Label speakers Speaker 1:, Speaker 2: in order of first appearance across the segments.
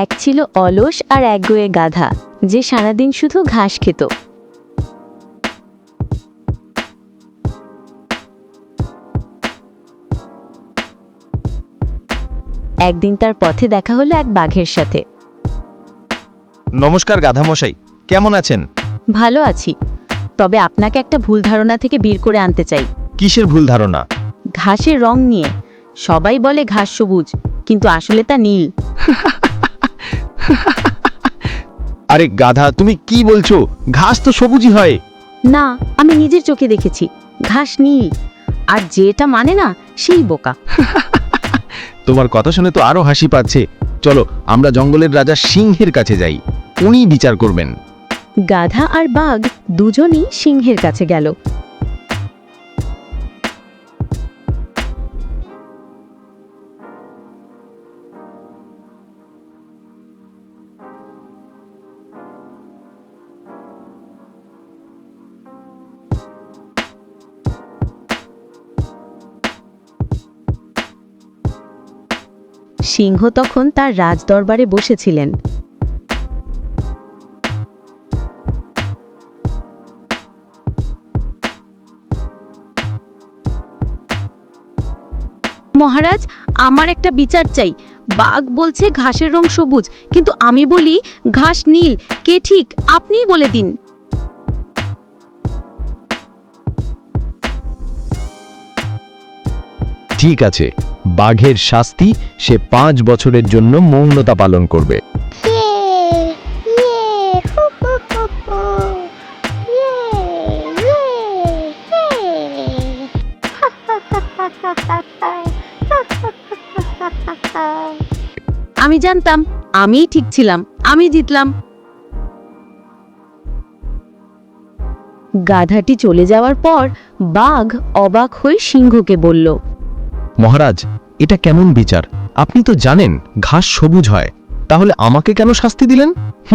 Speaker 1: এক ছিল অলস আর একগুঁয়ে গাধা, যে সারাদিন শুধু ঘাস খেত। একদিন তার পথে দেখা হলো এক বাঘের সাথে।
Speaker 2: নমস্কার গাধামশাই, কেমন আছেন?
Speaker 1: ভালো আছি, তবে আপনাকে একটা ভুল ধারণা থেকে বের করে আনতে চাই।
Speaker 2: কিসের ভুল ধারণা?
Speaker 1: ঘাসের রং নিয়ে। সবাই বলে ঘাস সবুজ, কিন্তু আসলে তা নীল।
Speaker 2: আরে গাধা, তুমি কি বলছো? ঘাস তো সবুজই হয়।
Speaker 1: না, আমি নিজের চোখে দেখেছি ঘাস নীল, আর যেটা মানে না সেই বোকা।
Speaker 2: তোমার কথা শুনে তো আরো হাসি পাচ্ছে। চলো আমরা জঙ্গলের রাজা সিংহের কাছে যাই, উনি বিচার করবেন।
Speaker 1: গাধা আর বাঘ দুজনই সিংহের কাছে গেল। সিংহ তখন তার রাজদরবারে বসেছিলেন। মহারাজ, আমার একটা বিচার চাই। বাঘ বলছে ঘাসের রং সবুজ, কিন্তু আমি বলি ঘাস নীল। কে ঠিক, আপনিই বলে দিন।
Speaker 2: ঠিক আছে, বাঘের শাস্তি, সে 5 বছরের জন্য মৌনতা পালন করবে।
Speaker 1: আমি জানতাম, আমিই ঠিক ছিলাম, আমি জিতলাম। গাধাটি চলে যাওয়ার পর বাঘ অবাক হয়ে সিংহকে বলল,
Speaker 2: মহারাজ, এটা কেমন বিচার? আপনি তো জানেন ঘাস সবুজ হয়, তাহলে আমাকে কেন শাস্তি দিলেন?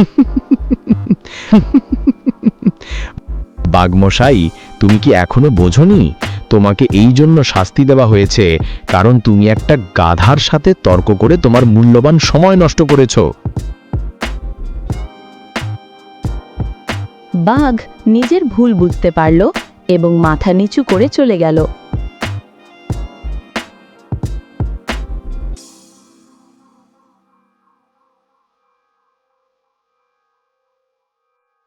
Speaker 2: বাঘমশাই, তুমি কি এখনো বোঝোনি? তোমাকে এই জন্য শাস্তি দেওয়া হয়েছে কারণ তুমি একটা গাধার সাথে তর্ক করে তোমার মূল্যবান সময় নষ্ট করেছো।
Speaker 1: বাঘ নিজের ভুল বুঝতে পারল এবং মাথা নিচু করে চলে গেল।